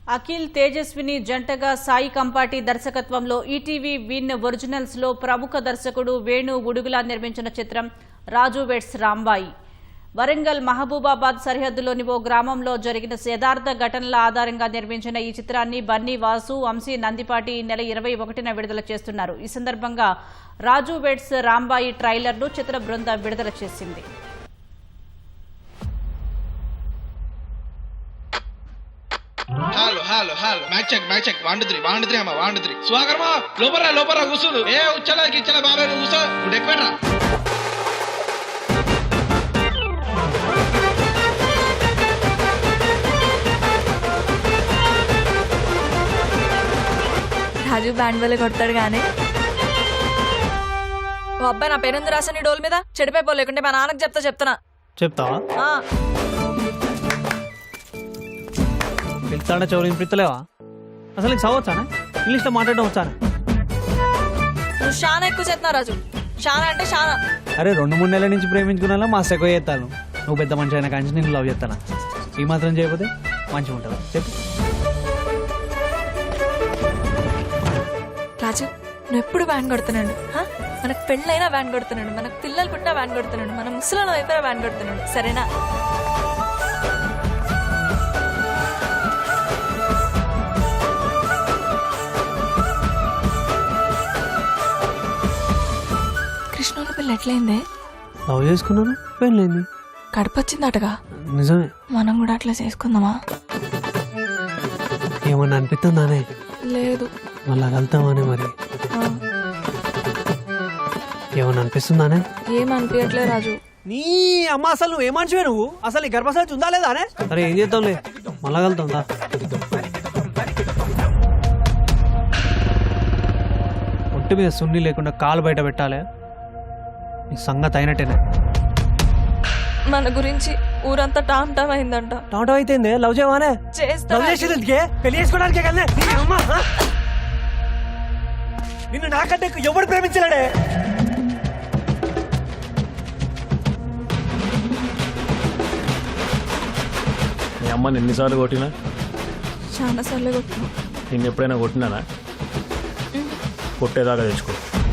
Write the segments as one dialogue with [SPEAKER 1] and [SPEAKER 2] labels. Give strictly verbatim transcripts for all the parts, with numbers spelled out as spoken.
[SPEAKER 1] అఖిల్ తేజస్విని జంటగా సాయి కంపాటి దర్శకత్వంలో ETV win originals లో ప్రముఖ దర్శకుడు వేణు ఉడుగులా నిర్మించిన చిత్రం రాజు వెడ్స్ రాంబాయి. వరంగల్ మహబూబాబాద్ సరిహద్దులోని ఓ గ్రామంలో జరిగిన యథార్థ ఘటనల ఆధారంగా నిర్మించిన ఈ చిత్రాన్ని బన్నీ వాసు, వంశీ నందిపాటి ఈ నెల ఇరవై ఒకటిన విడుదల చేస్తున్నారు. ఈ సందర్భంగా రాజు వెడ్స్ రాంబాయి ట్రైలర్ను చిత్ర బృందం విడుదల చేసింది.
[SPEAKER 2] Hello hello hello mic check mic check one two three one two three అమ్మా వన్ టూ త్రీ స్వాగరమా లోపరా లోపరా కూర్చుండు ఏ ఉచ్చలా గిచ్చలా బాబాయ్ నువ్వు కూర్చో నువ్వు ఎక్కువరా
[SPEAKER 3] రాజు బ్యాండ్ వల్ల కొడతాడు గానీ ఓ అబ్బాయి నా పేరెందు రాసని డోల్ మీద చెడిపోయి లేకుంటే మా నాన్నకు చెప్తా చెప్తున్నా
[SPEAKER 4] చెప్తావా
[SPEAKER 3] ఆ,
[SPEAKER 4] పిలుస్తాడే చౌరు పిలుస్తలేవా అసలు నీకు చదవచ్చానా ఇంగ్లీష్లో మాట్లాడడం వచ్చానా
[SPEAKER 3] నువ్వు చాలా ఎక్కువ చేస్తున్నావు రాజు. చాలా అంటే చాలా.
[SPEAKER 4] అరే రెండు మూడు నెలల నుంచి ప్రేమించుకున్నా మా ఎక్కువ చేస్తాను. నువ్వు పెద్ద మనిషి అయినా కానీ నేను లవ్ చేస్తానా ఈ మాత్రం చేయకపోతే మంచిగా ఉంటుందా చెప్పు.
[SPEAKER 3] రాజు నువ్వు ఎప్పుడు బ్యాండ్ కొడుతున్నాడు. హా? మనకు పెళ్ళైనా బ్యాండ్ కొడుతున్నాడు, మనకు పిల్లలు పుట్టినా బ్యాండ్ కొడుతున్నాడు, మన ముసలిన వైపున బ్యాండ్ కొడుతున్నాడు. సరేనా? కృష్ణుల పిల్ల ఎట్లయిందే?
[SPEAKER 4] లవ్ చేసుకున్నాను పెళ్ళైంది.
[SPEAKER 3] కడపొచ్చిందటగా.
[SPEAKER 4] నిజమే.
[SPEAKER 3] మనం కూడా అట్లా చేసుకుందామా?
[SPEAKER 4] ఏమన్నా అనిపిస్తుందానే?
[SPEAKER 3] లేదు.
[SPEAKER 4] మళ్ళా కలుతామానే మరి
[SPEAKER 3] ఆ,
[SPEAKER 4] ఏమన్నా అనిపిస్తుందానే?
[SPEAKER 3] ఏం అనిపించట్లే రాజు.
[SPEAKER 4] నీ అమ్మ అసలు నువ్వు ఏమనివే నువ్వు అసలు ఈ గర్భశాల ఉందా లేదా అనే? అరే ఏం చేద్దాంలే మళ్ళా కలుతాందా. ఒంటి మీద సున్ని లేకుండా కాలు బయట పెట్టాలి. నీ సంగతి అయినట్టేనే.
[SPEAKER 3] మన గురించి ఊరంతా టామ్ టామ్ అయిందంట.
[SPEAKER 4] టమాటో అయితే లవ్ చేయవానే?
[SPEAKER 3] చేస్తా
[SPEAKER 4] లవ్
[SPEAKER 3] రాజు.
[SPEAKER 4] చేసేందుకే పెళ్లి చేసుకోవడానికే కదా. నిన్ను నాకంటే ఎవడు ప్రేమించలేడే.
[SPEAKER 5] మీ అమ్మని ఎన్నిసార్లు కొట్టినా?
[SPEAKER 3] చాలా సార్లు కొట్టినా.
[SPEAKER 5] నిన్ను ఎప్పుడైనా కొట్టినానా? కొట్టేదాకా తెచ్చుకో.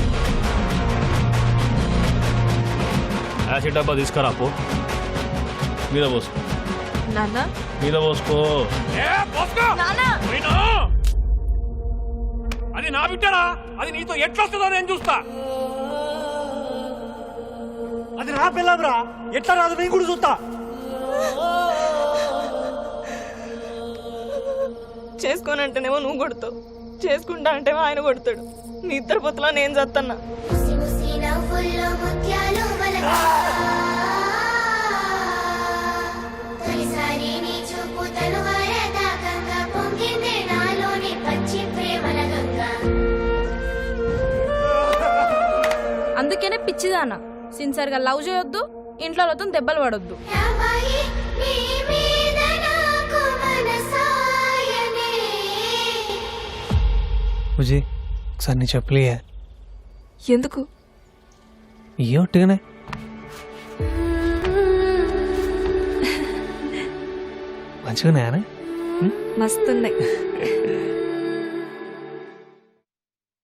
[SPEAKER 5] యాసిడ్ డబ్బా తీసుకురా పో. మీద పోసుకో.
[SPEAKER 3] నాన్న
[SPEAKER 5] మీద పోసుకో.
[SPEAKER 3] నాన్న
[SPEAKER 5] అది నా బిడ్డరా, అది నీతో ఎట్లొస్తుందో నేను చూస్తా.
[SPEAKER 4] అది నా పిల్లరా, ఎట్లా రాదు నేను కూడా చూస్తా.
[SPEAKER 3] చేసుకోనంటేనేమో నువ్వు కొడతావు, చేసుకుంటా అంటేమో ఆయన కొడతాడు. మీ ఇద్దరు పొత్తులో నేను చత్తన్నా.
[SPEAKER 6] అందుకేనే పిచ్చిదానా సిన్సియర్ గా లవ్ చేయొద్దు, ఇంట్లో వాళ్ళతో దెబ్బలు పడొద్దు.
[SPEAKER 4] బుజీ ఒకసారి నీ చెప్పలే.
[SPEAKER 3] ఎందుకు?
[SPEAKER 4] ఇయ్యో ఒట్టిగానే. మంచిగానే
[SPEAKER 3] మస్తున్నాయి.